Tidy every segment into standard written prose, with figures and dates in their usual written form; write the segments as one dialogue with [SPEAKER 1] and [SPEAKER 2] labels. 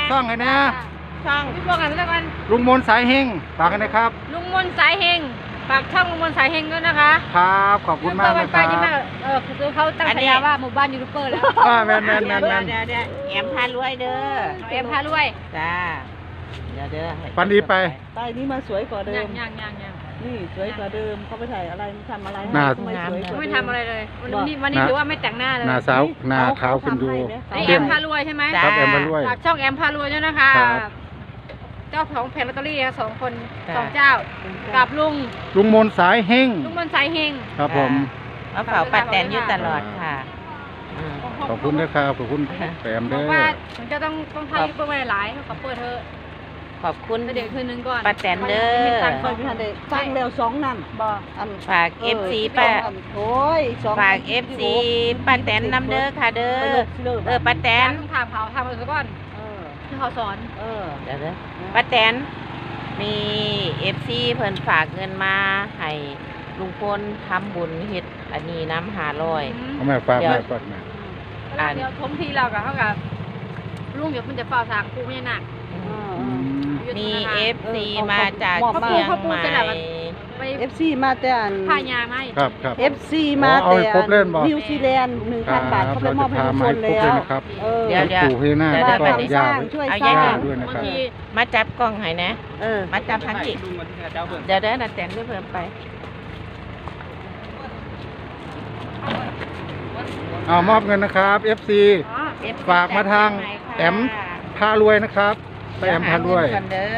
[SPEAKER 1] ช่องไงนะ
[SPEAKER 2] ช่องพี่พวกกันแล้วกัน
[SPEAKER 1] ลุงมนสายเฮงฝากกันนะครับ
[SPEAKER 2] ลุงมนสายเฮงฝากช่องลุงมนสายเฮงด้วยนะคะ
[SPEAKER 1] ครับขอบคุณมากนะครับ
[SPEAKER 2] คือเขาตั้งฉายาว่าหมู่บ้านยูทูบเบอร์แล้ว
[SPEAKER 1] แมน
[SPEAKER 3] เดี๋ยวแอมพารวยเด้อ
[SPEAKER 2] แอมพารวย
[SPEAKER 3] จ้าเดี๋ยว
[SPEAKER 1] ปันดีไป
[SPEAKER 4] ใต้นี้มาสวยกว่าเดิม
[SPEAKER 2] ยัง
[SPEAKER 4] นี่สวยกว่าเดิมเขาไปถ่ายอะไรทำอะไร
[SPEAKER 2] ไม่ทำอะไรเลยวันนี้ถือว่าไม่แต่งหน้าเลย
[SPEAKER 1] หน้าสาวหน้าขาวขึ้นดู
[SPEAKER 2] แอมพารวยใช่ไหม
[SPEAKER 1] ครับแอมพารวย
[SPEAKER 2] ฝากช่องแอมพารวยด้วยนะคะเจ้าของแผงลอตเตอรี่2 คน2 เจ้ากับลุง
[SPEAKER 1] มนสายเฮง
[SPEAKER 2] ลุงมนสายเฮง
[SPEAKER 1] ครับผม
[SPEAKER 3] มาเฝ้าป้าแตนอยู่ตลอดค่ะ
[SPEAKER 1] ขอบคุณนะครับขอบคุณแปมเด้อ
[SPEAKER 2] ว่าผมจะต้องทายเปิดไว้หลายเขาเปิดเธอ
[SPEAKER 3] ขอบคุณ
[SPEAKER 2] เดี๋ยวคืนนึงก่อน
[SPEAKER 3] ป้าแตนเด้อ
[SPEAKER 4] คอยไปทานเด็กตั้งเร็ว2 นั่น
[SPEAKER 3] ฝาก FC ป้า
[SPEAKER 4] โอ้ย
[SPEAKER 3] ฝาก FC ป้าแตนนำเด้อค่ะเด้อป้าแตน
[SPEAKER 2] ต้องถามเขาทำก่อนที่เขาสอน
[SPEAKER 3] เดี๋ยวป้าแตนมี FC เพิ่นฝากเงินมาให้ลุงพลทำบุญเฮ็ดอันนี้น้ำ500
[SPEAKER 1] เอาแม่ฝากแม่ฝากแม่
[SPEAKER 2] เดี๋ยวทมทีเรากับเขากับลุงเดี๋ยวมันจะฝ่าสางกูไม่หนัก
[SPEAKER 3] มี FC มาจากเชียงใหม่
[SPEAKER 4] FC มาแต่
[SPEAKER 2] พายาไหม
[SPEAKER 1] ครับ
[SPEAKER 4] FC มาแต่นิวซีแลนด์ 1,000 บาทเขาไปมอบให้ทุกคนแล้ว
[SPEAKER 3] เดี๋ยว
[SPEAKER 1] ปู่ให้หน้าก็ยา
[SPEAKER 3] เอาย่าด้วยนะครับมาจับกล้องให้นะมาจับทั้งจิเดี๋ยวนัดแต่งด้วยเพิ่มไป
[SPEAKER 1] มอบเงินนะครับ FC ฝากมาทางแอมพารวยนะครับไปแอมพารวย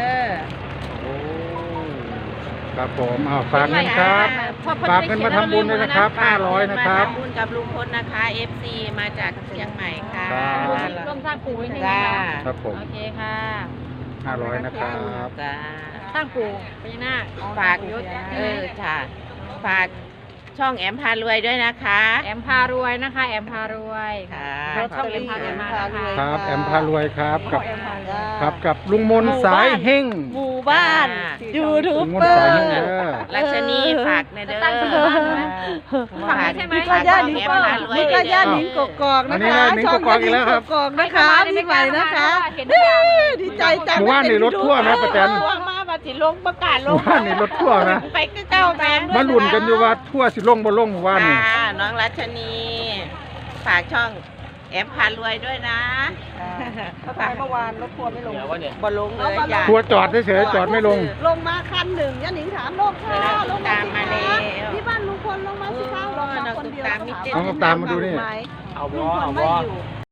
[SPEAKER 1] ครับผมฝากเงินครับฝากเงินมาทำบุญด้วยนะครับ500นะครับ
[SPEAKER 3] ทำบุญกับลุงพลนะคะ FC มาจากเชียงใหม่ค่ะ
[SPEAKER 2] ร่วมสร้างปู่ให้ถึง
[SPEAKER 1] ครับผม
[SPEAKER 2] โอเคค่ะ
[SPEAKER 1] 500นะครับ
[SPEAKER 2] สร้างปู่พญานาค
[SPEAKER 3] ฝากค่ะฝากช่องแอมพารวยด้วยนะคะ
[SPEAKER 2] แอมพารวยนะคะแอมพารวย
[SPEAKER 3] ค่ะ
[SPEAKER 2] ช่องแอมพารวยมานะคะ
[SPEAKER 1] ครับแอมพารวยครับกับลุงมนสายเฮง
[SPEAKER 4] หมู่บ้านยูทูบเบอร์
[SPEAKER 3] รัชนีฝากในเด้อ
[SPEAKER 2] ฝากใช่ไหม
[SPEAKER 4] มีก็ย่าหนิงมีก็ย่าหนิงกอกนะคะ
[SPEAKER 1] ช่องย่าหนิงกอก
[SPEAKER 4] นะคะพี่ใหม่นะคะดีใจจัง
[SPEAKER 1] หมู่บ้านนี่รถทั่วนะป้าแตน
[SPEAKER 3] มาบัดสิลงประกาศลง
[SPEAKER 1] หมู่บ้านนี่รถทั่วนะ
[SPEAKER 3] ไปเก้าแมน
[SPEAKER 1] มาลุ้นกันอยู่ว่าทั่วสิลงบ่ลงหมู่บ้านนี่
[SPEAKER 3] น้องรัชนีฝากช่องแอมพารวยด้วยนะ
[SPEAKER 4] เขาไปเมื่อวานรถทัวร์ไม่ลง
[SPEAKER 3] บ่ลงเลย
[SPEAKER 1] ทัวร์จอดเฉยๆจอดไม่ลง
[SPEAKER 4] มาคันหนึ่งย่าหนิงถามลงค่ะลง
[SPEAKER 3] ตามมาแล้ว
[SPEAKER 4] ที่บ้านลุงพลลงมาสิคะลงมาคนเดียว
[SPEAKER 1] ต้องตามมาดูนี่
[SPEAKER 4] ลุงพลไม่อยู่